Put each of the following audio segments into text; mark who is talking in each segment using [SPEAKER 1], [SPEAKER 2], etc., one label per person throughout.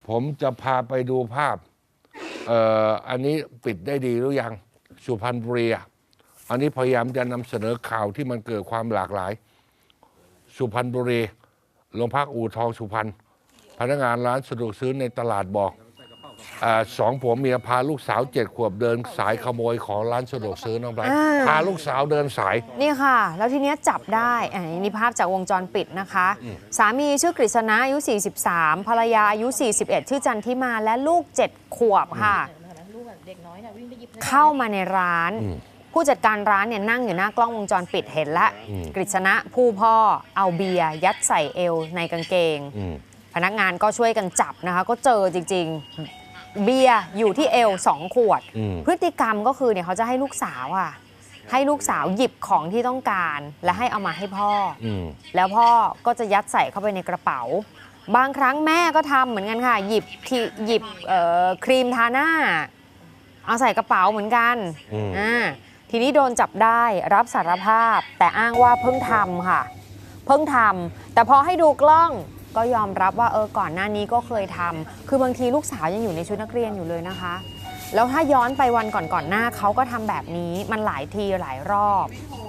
[SPEAKER 1] ผมจะพาไปดูภาพอันนี้ปิดได้ดีหรือยังสุพรรณบุรีอันนี้พยายามจะนำเสนอข่าวที่มันเกิดความหลากหลายสุพรรณบุรีโรงพักอู่ทองสุพรรณพนักงานร้านสะดวกซื้อในตลาดบอกสองผัวเมียพาลูกสาว7 ขวบเดินสายขโมยของร้านสะดวกซื้อน้องไบรท์พาลูกสาวเดินสาย
[SPEAKER 2] นี่ค่ะแล้วทีเนี้ยจับได้นี่ภาพจากวงจรปิดนะคะสามีชื่อกฤษณะอายุ 43 ภรรยาอายุ 41 ชื่อจันทิมาและลูก7 ขวบค่ะเข้ามาในร้านผู้จัดการร้านเนี่ยนั่งอยู่หน้ากล้องวงจรปิดเห็นแล้วกฤษณะผู้พ่อเอาเบียร์ยัดใส่เอวในกางเกงพนักงานก็ช่วยกันจับนะคะก็เจอจริงๆเบียร์อยู่ที่เอว2 ขวดพฤติกรรมก็คือเนี่ยเขาจะให้ลูกสาวให้ลูกสาวหยิบของที่ต้องการและให้เอามาให้พ่อแล้วพ่อก็จะยัดใส่เข้าไปในกระเป๋าบางครั้งแม่ก็ทำเหมือนกันค่ะหยิบครีมทาหน้าเอาใส่กระเป๋าเหมือนกันทีนี้โดนจับได้รับสารภาพแต่อ้างว่าเพิ่งทำค่ะเพิ่งทำแต่พอให้ดูกล้องก็ยอมรับว่าก่อนหน้านี้ก็เคยทำคือบางทีลูกสาวยังอยู่ในชุดนักเรียนอยู่เลยนะคะแล้วถ้าย้อนไปวันก่อนหน้าเขาก็ทำแบบนี้มันหลายทีหลายรอบ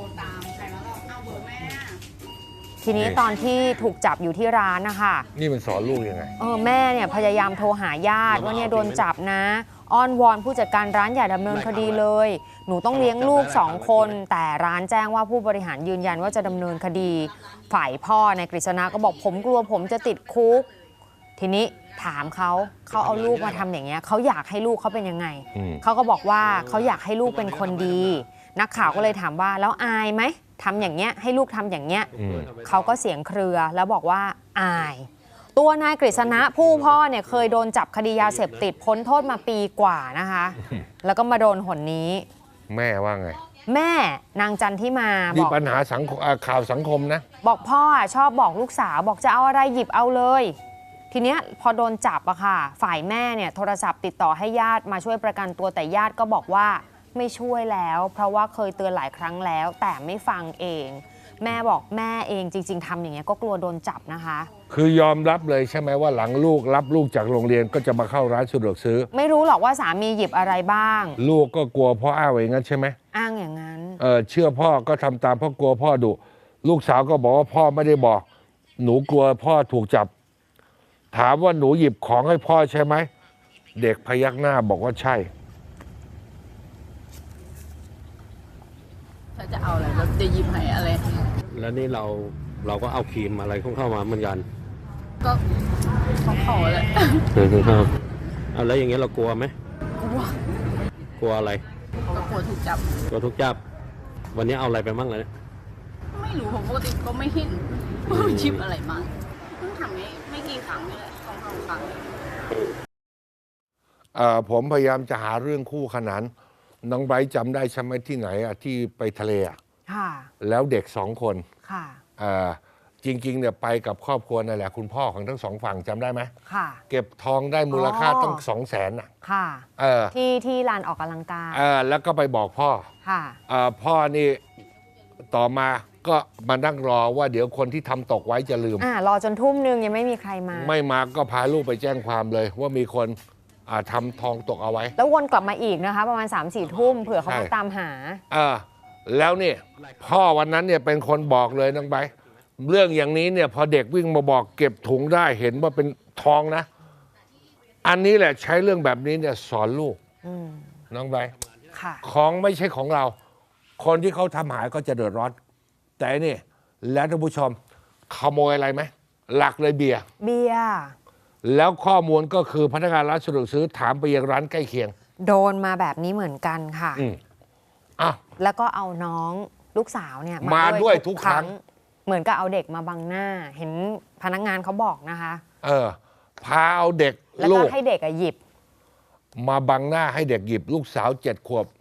[SPEAKER 2] ทีนี้ตอนที่ถูกจับอยู่ที่ร้านนะคะ
[SPEAKER 1] นี่มันสอนลูกยังไง
[SPEAKER 2] แม่เนี่ยพยายามโทรหาญาติว่าเนี่ยโดนจับนะอ้อนวอนผู้จัดการร้านอย่าดำเนินคดีเลยหนูต้องเลี้ยงลูก2 คนแต่ร้านแจ้งว่าผู้บริหารยืนยันว่าจะดำเนินคดีฝ่ายพ่อในกฤษณะก็บอกผมกลัวผมจะติดคุกทีนี้ถามเขาเอาลูกมาทำอย่างเงี้ยเขาอยากให้ลูกเขาเป็นยังไงเขาก็บอกว่าเขาอยากให้ลูกเป็นคนดีนักข่าวก็เลยถามว่าแล้วอายไหมทำอย่างเงี้ยให้ลูกทำอย่างเงี้ยเขาก็เสียงเครือแล้วบอกว่าอายตัวนายกฤษณะผู้พ่อเนี่ยเคยโดนจับคดียาเสพติดพ้นโทษมาปีกว่านะคะแล้วก็มาโดนหนนี้
[SPEAKER 1] แม่ว่าไง
[SPEAKER 2] แม่นางจันทิมา
[SPEAKER 1] มีปัญหาสังคมข่าวสังคมนะ
[SPEAKER 2] บอกพ่อชอบบอกลูกสาวบอกจะเอาอะไรหยิบเอาเลยทีเนี้ยพอโดนจับค่ะฝ่ายแม่เนี่ยโทรศัพท์ติดต่อให้ญาติมาช่วยประกันตัวแต่ญาติก็บอกว่าไม่ช่วยแล้วเพราะว่าเคยเตือนหลายครั้งแล้วแต่ไม่ฟังเองแม่บอกแม่เองจริงๆทำอย่างเงี้ยก็กลัวโดนจับนะคะ
[SPEAKER 1] คือยอมรับเลยใช่ไหมว่าหลังลูกรับลูกจากโรงเรียนก็จะมาเข้าร้านสะดวกซื้อ
[SPEAKER 2] ไม่รู้หรอกว่าสามีหยิบอะไรบ้าง
[SPEAKER 1] ลูกก็กลัวพ่ออ้างอย่างนั้นใช่ไหม
[SPEAKER 2] อ้างอย่างนั้น
[SPEAKER 1] เชื่อพ่อก็ทำตามเพราะกลัวพ่อดุลูกสาวก็บอกว่าพ่อไม่ได้บอกหนูกลัวพ่อถูกจับถามว่าหนูหยิบของให้พ่อใช่ไหมเด็กพยักหน้าบอกว่าใช่
[SPEAKER 3] ถ้าจะเอาอะไรเราจะหยิบให้อะไร
[SPEAKER 4] แล้วนี่เราก็เอาครีมอะไรเข้ามาเหมือนกัน
[SPEAKER 3] ก็ของเขาแหละ
[SPEAKER 4] ครับเอาแล้วอย่างเงี้ยเรากลัวไหมกลัวอะไร
[SPEAKER 3] ก็กลัวถูกจับ
[SPEAKER 4] วันนี้เอาอะไรไปบ้างเลย
[SPEAKER 3] ไม่รู้ผมปกติก็ไม่เห็นชิปอะไรมาเพิ่งทำไม่กี่ครั้งนี่แหละ2-3 ครั้ง
[SPEAKER 1] ผมพยายามจะหาเรื่องคู่ขนานน้องไบรท์จำได้ใช่ไหมที่ไหนที่ไปทะเลแล้วเด็ก2 คนจริงๆเนี่ยไปกับครอบครัวนั่นแหละคุณพ่อของทั้ง2 ฝั่งจำได้ไหมเก็บทองได้มูลค่าตั้ง200,000
[SPEAKER 2] ที่ลานออกกำลังกาย
[SPEAKER 1] แล้วก็ไปบอกพ่อพ่อนี่ต่อมาก็มานั่งรอว่าเดี๋ยวคนที่ทำตกไว้จะลืม
[SPEAKER 2] รอจนทุ่มนึงยังไม่มีใครมา
[SPEAKER 1] ไม่มาก็พาลูกไปแจ้งความเลยว่ามีคนทำทองตกเอาไว้
[SPEAKER 2] แล้ววนกลับมาอีกนะคะประมาณ 3-4 ทุ่มเผื่อเขามาตามหา
[SPEAKER 1] แล้วนี่พ่อวันนั้นเนี่ยเป็นคนบอกเลยน้องไบร์ทเรื่องอย่างนี้เนี่ยพอเด็กวิ่งมาบอกเก็บถุงได้เห็นว่าเป็นทองนะอันนี้แหละใช้เรื่องแบบนี้เนี่ยสอนลูกน้องไบร์ทของไม่ใช่ของเราคนที่เขาทำหายก็จะเดือดร้อนแต่นี่แล้วท่านผู้ชมขโมยอะไรไหมหลักเลยเบียร์แล้วข้อมูลก็คือพนักงานร้านสะดวกซื้อถามไปยังร้านใกล้เคียง
[SPEAKER 2] โดนมาแบบนี้เหมือนกันค่ะแล้วก็เอาน้องลูกสาวเนี่ย
[SPEAKER 1] มาด้วยทุกครั้ง
[SPEAKER 2] เหมือนกับเอาเด็กมาบังหน้าเห็นพนักงานเขาบอกนะคะ
[SPEAKER 1] พาเอาเด็ก
[SPEAKER 2] แล้วก็ให้เด็กหยิบ
[SPEAKER 1] มาบังหน้าให้เด็กหยิบลูกสาว7 ขวบ